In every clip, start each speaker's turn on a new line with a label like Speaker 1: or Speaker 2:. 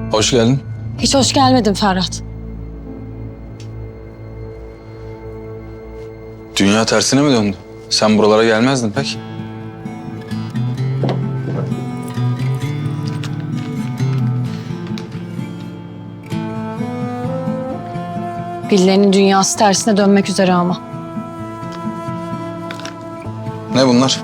Speaker 1: Hoş geldin.
Speaker 2: Hiç hoş gelmedin Ferhat.
Speaker 1: Dünya tersine mi döndü? Sen buralara gelmezdin pek.
Speaker 2: Birilerinin dünyası tersine dönmek üzere ama.
Speaker 1: Ne bunlar?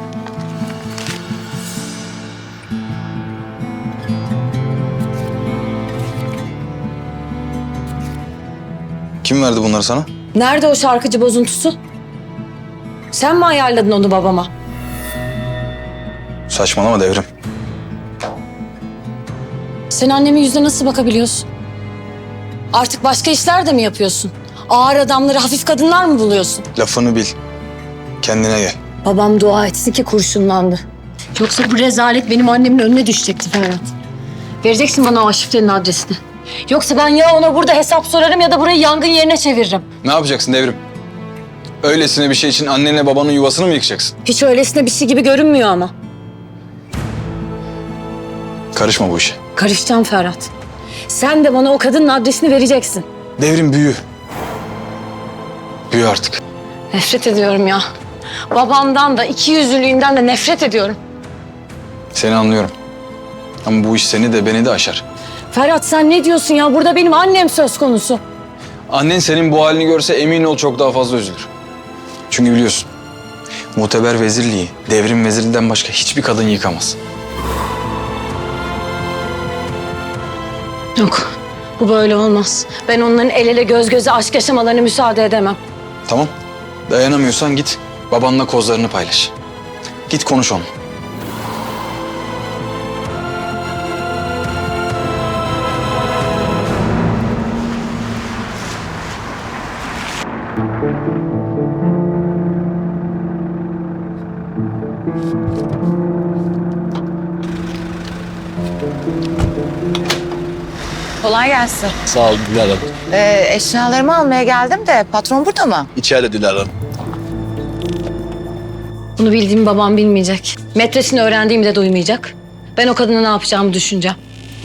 Speaker 1: Kim verdi bunları sana?
Speaker 2: Nerede o şarkıcı bozuntusu? Sen mi ayarladın onu babama?
Speaker 1: Saçmalama Devrim.
Speaker 2: Sen annemin yüzüne nasıl bakabiliyorsun? Artık başka işler de mi yapıyorsun? Ağır adamları hafif kadınlar mı buluyorsun?
Speaker 1: Lafını bil. Kendine gel.
Speaker 2: Babam dua etsin ki kurşunlandı. Yoksa bu rezalet benim annemin önüne düşecekti Ferhat. Vereceksin bana o şifrenin adresini. Yoksa ben ya ona burada hesap sorarım ya da burayı yangın yerine çeviririm.
Speaker 1: Ne yapacaksın Devrim? Öylesine bir şey için annenle babanın yuvasını mı yıkacaksın?
Speaker 2: Hiç öylesine bir şey gibi görünmüyor ama.
Speaker 1: Karışma bu işe.
Speaker 2: Karışacağım Ferhat. Sen de bana o kadının adresini vereceksin.
Speaker 1: Devrim büyü. Büyü artık.
Speaker 2: Nefret ediyorum ya. Babamdan da ikiyüzlülüğünden de nefret ediyorum.
Speaker 1: Seni anlıyorum. Ama bu iş seni de beni de aşar.
Speaker 2: Ferhat sen ne diyorsun ya? Burada benim annem söz konusu.
Speaker 1: Annen senin bu halini görse emin ol çok daha fazla üzülür. Çünkü biliyorsun, muteber vezirliği, Devrim vezirliğinden başka hiçbir kadın yıkamaz.
Speaker 2: Yok, bu böyle olmaz. Ben onların el ele göz göze aşk yaşamalarına müsaade edemem.
Speaker 1: Tamam, dayanamıyorsan git babanla kozlarını paylaş. Git konuş onunla.
Speaker 3: Kolay gelsin.
Speaker 4: Sağ ol Dilara Hanım.
Speaker 3: Eşyalarımı almaya geldim de patron burada mı?
Speaker 4: İçeride Dilara Hanım.
Speaker 2: Bunu bildiğimi babam bilmeyecek. Metresini öğrendiğimi de duymayacak. Ben o kadına ne yapacağımı düşüneceğim.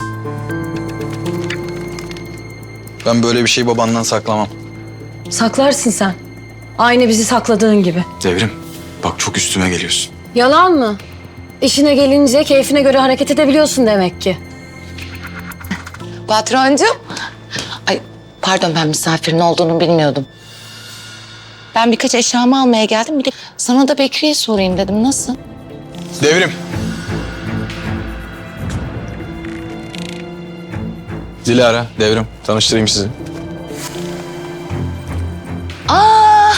Speaker 1: Ben böyle bir şeyi babandan saklamam.
Speaker 2: Saklarsın sen. Aynı bizi sakladığın gibi.
Speaker 1: Devrim, bak çok üstüme geliyorsun.
Speaker 2: Yalan mı? İşine gelince keyfine göre hareket edebiliyorsun demek ki.
Speaker 3: Patroncum. Ay pardon ben misafirin olduğunu bilmiyordum. Ben birkaç eşyamı almaya geldim. Bir de sana da Bekri'ye sorayım dedim. Nasıl?
Speaker 1: Devrim. Dilara, Devrim. Tanıştırayım sizi.
Speaker 3: Aa!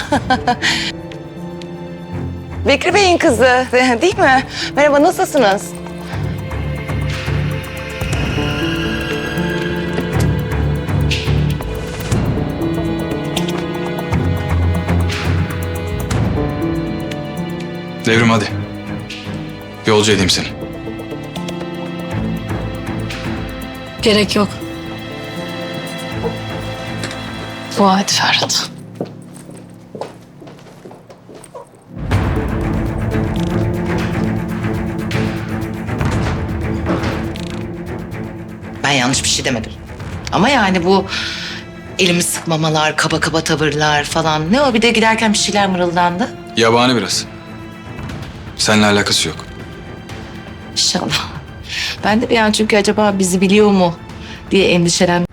Speaker 3: Bekri Bey'in kızı değil mi? Merhaba nasılsınız?
Speaker 1: Devrim hadi. Yolcu edeyim seni.
Speaker 2: Gerek yok. Dua et Ferhat.
Speaker 3: Ben yanlış bir şey demedim. Ama yani bu elimi sıkmamalar, kaba kaba tavırlar falan. Ne o bir de giderken bir şeyler mırıldandı.
Speaker 1: Yabani biraz. Seninle alakası yok.
Speaker 3: İnşallah. Ben de bir an çünkü acaba bizi biliyor mu diye endişelen.